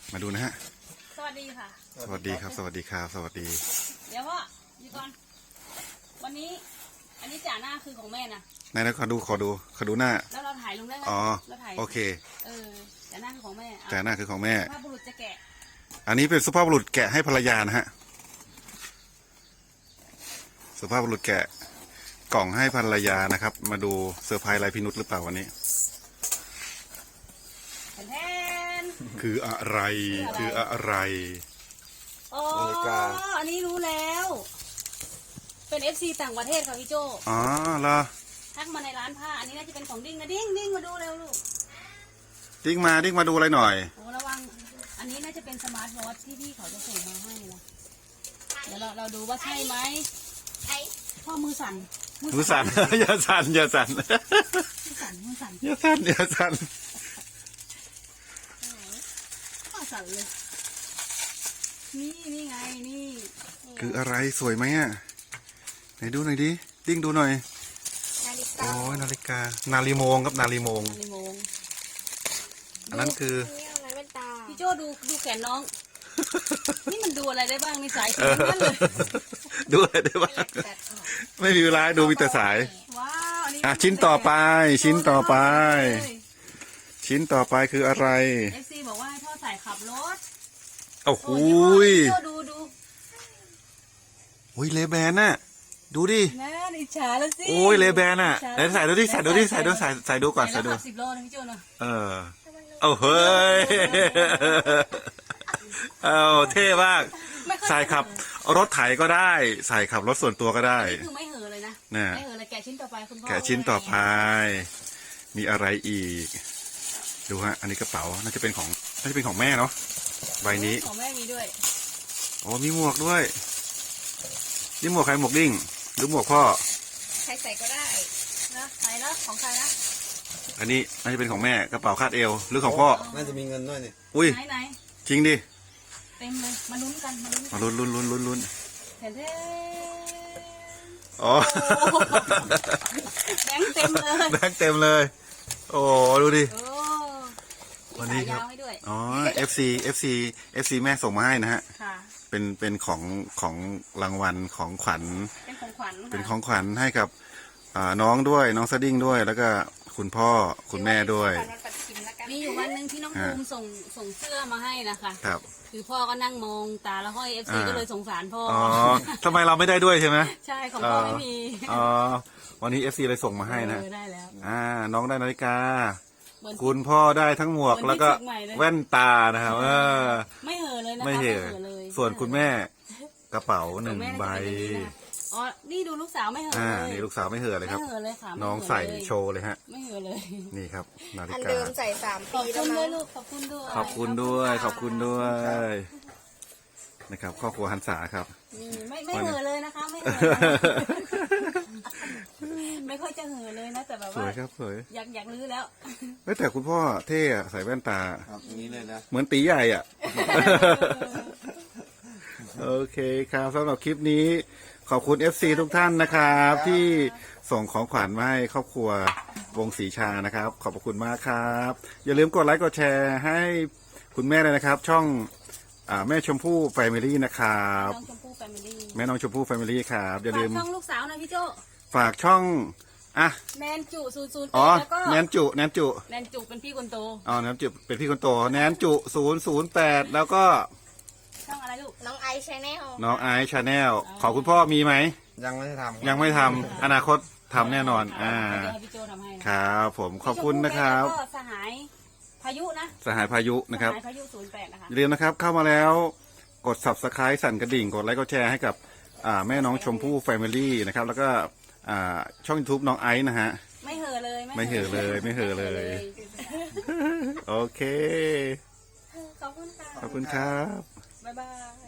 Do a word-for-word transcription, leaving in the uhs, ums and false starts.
มาดูนะฮะสวัสดีค่ะสวัสดีครับสวัสดีครับสวัสดีเดี๋ยวพ่ออยู่ก่อนวันนี้อันนี้จ่าหน้าคือของแม่นะไหนนะขอดูขอดูขอดูหน้าแล้วเราถ่ายลงได้ไหมอ๋อเราถ่ายโอเคเออจ่าหน้าคือของแม่จ่าหน้าคือของแม่สุภาพบุรุษจะแกะอันนี้เป็นสุภาพบุรุษแกะให้ภรรยานะฮะสุภาพบุรุษแกะกล่องให้ภรรยานะครับมาดูเซอร์ไพรส์อะไรพินุษหรือเปล่าวันนี้แทนคืออะไรคืออะไรอ๋ออันนี้รู้แล้วเป็นเอฟซีต่างประเทศค่ะพี่โจอ๋อเหรอทักมาในร้านผ้าอันนี้น่าจะเป็นของดิ้งนะดิ้งดิ้งมาดูเร็วลูกดิ้งมาดิ้งมาดูอะไรหน่อยโอ้ระวังอันนี้น่าจะเป็นสมาร์ทวอทที่พี่เขาจะส่งมาให้นะเดี๋ยวเราเราดูว่าใช่ไหมพ่อมือสั่นมือสั่นอย่าสั่นอย่าสั่นมือสั่นมือสั่นอย่าสั่นอย่าสั่นพ่อสั่นเลยนี่นี่ไงนี่คืออะไรสวยไหมอ่ะไหนดูหน่อยดิดิ้งดูหน่อยโอ้ยนาฬิกานาฬิโมงครับนาฬิโมงนาฬิโมงอันนั้นคือพี่โจดูดูแขนน้องนี่มันดูอะไรได้บ้างในสายสีนั่นเลยดูอะไรได้บ้างไม่มีเวลาดูมีแต่สายว้าวอ่ะชิ้นต่อไปชิ้นต่อไปชิ้นต่อไปคืออะไรเอฟซีบอกว่าให้พ่อใส่ขับรถโอ้โหดูดูโอ้ยเลแบนน่ะดูดิน่าอิจฉาแล้วสิโอ้ยเลแบนน่ะไหนใส่ดูดิใส่ดูดิใส่ดูใส่ใส่ดูก่อนใส่ดูสิบโลนะพี่โจนะเออเอาเฮ้ยเอาเท่มากใส่ขับรถไถก็ได้ใส่ขับรถส่วนตัวก็ได้คือไม่เห่อเลยนะไม่เห่อเลยแกะชิ้นต่อไปคุณพ่อแกะชิ้นต่อไปมีอะไรอีกดูฮะอันนี้กระเป๋าน่าจะเป็นของน่าจะเป็นของแม่เนาะใบนี้ของแม่มีด้วยอ๋อมีหมวกด้วยนี่หมวกใครหมวกดิ้งหรือหมวกพ่อใครใส่ก็ได้นะใส่แล้วของใครนะอันนี้น่าจะเป็นของแม่กระเป๋าคาดเอวหรือของพ่อน่าจะมีเงินด้วยนี่อุ้ยไหนจริงดิเต็มเลยมาลุ้นกันมาลุ้นมาลุ้นลุ้นลุ้นลุ้นลุ้นเห็นเท่อ๋อแบงค์เต็มเลยแบงค์เต็มเลยโอ้ดูดิวันนี้ครับอ๋อ เอฟ ซี เอฟ ซี เอฟ ซี แม่ส่งมาให้นะฮะเป็นเป็นของของรางวัลของขวัญเป็นของขวัญเป็นของขวัญให้กับน้องด้วยน้องสดิ้งด้วยแล้วก็คุณพ่อคุณแม่ด้วยมีอยู่วันหนึ่งที่น้องภูมิส่งส่งเสื้อมาให้นะคะครับคือพ่อก็นั่งมองตาแล้วห้อย เอฟ ซี ก็เลยสงสารพ่ออ๋อทำไมเราไม่ได้ด้วยใช่ไหมใช่ของพ่อไม่มีอ๋อวันนี้ เอฟ ซี เลยส่งมาให้นะได้แล้วอ่าน้องได้นาฬิกาคุณพ่อได้ทั้งหมวกแล้วก็แว่นตานะครับเออไม่เห่อเลยนะไม่เห่อส่วนคุณแม่กระเป๋าหนึ่งใบอ๋อนี่ดูลูกสาวไม่เห่อเลยนี่ลูกสาวไม่เห่อเลยครับน้องใส่โชว์เลยฮะไม่เห่อเลยนี่ครับนาฬิกาอันเดิมใส่สามปีแล้วนะขอบคุณด้วยขอบคุณด้วยขอบคุณด้วยนะครับครอบครัวหันษาครับไม่ไม่เห่อเลยนะคะไม่เห่อไม่ค่อยจะเห่อเลยนะแต่แบบว่าสวยครับสวยอยากอยากลื้อแล้วแต่คุณพ่อเท่ใส่แว่นตาครับนี้เลยนะเหมือนตีใหญ่อ่ะโอเคครับสำหรับคลิปนี้ขอบคุณ เอฟ ซี ทุกท่านนะครับที่ส่งของขวัญมาให้ครอบครัววงศรีชานะครับขอบคุณมากครับอย่าลืมกดไลค์กดแชร์ให้คุณแม่เลยนะครับช่องแม่ชมพู่แฟมิลี่นะครับแม่น้องชมพู่แฟมิลี่ครับอย่าลืมช่องลูกสาวนะพี่โจฝากช่องอ่ะแนนจุศูนย์ศูนย์อ๋อแนนจุแนนจุแนนจุเป็นพี่คนโตอ๋อแนนจุเป็นพี่คนโตแนนจุศูนย์ศูนย์แปดแล้วก็ช่องอะไรลูกน้องไอซ์ชาแนลน้องไอซ์ชาแนลขอคุณพ่อมีไหมยังไม่ทำยังไม่ทำอนาคตทำแน่นอนอ่าครับผมขอบคุณนะครับสหายพายุนะสหายพายุนะครับพายุศูนย์แปดนะคะอย่าลืมนะครับเข้ามาแล้วกด ซับสไครบ์ สั่นกระดิ่งกดไลค์กดแชร์ให้กับแม่น้องชมพู่แฟมิลี่นะครับแล้วก็ช่อง ยูทูบ น้องไอซ์นะฮะไม่เห่อเลยไม่เห่อเลยไม่เห่อเลยโอเคขอบคุณค่ะขอบคุณครับบ๊ายบาย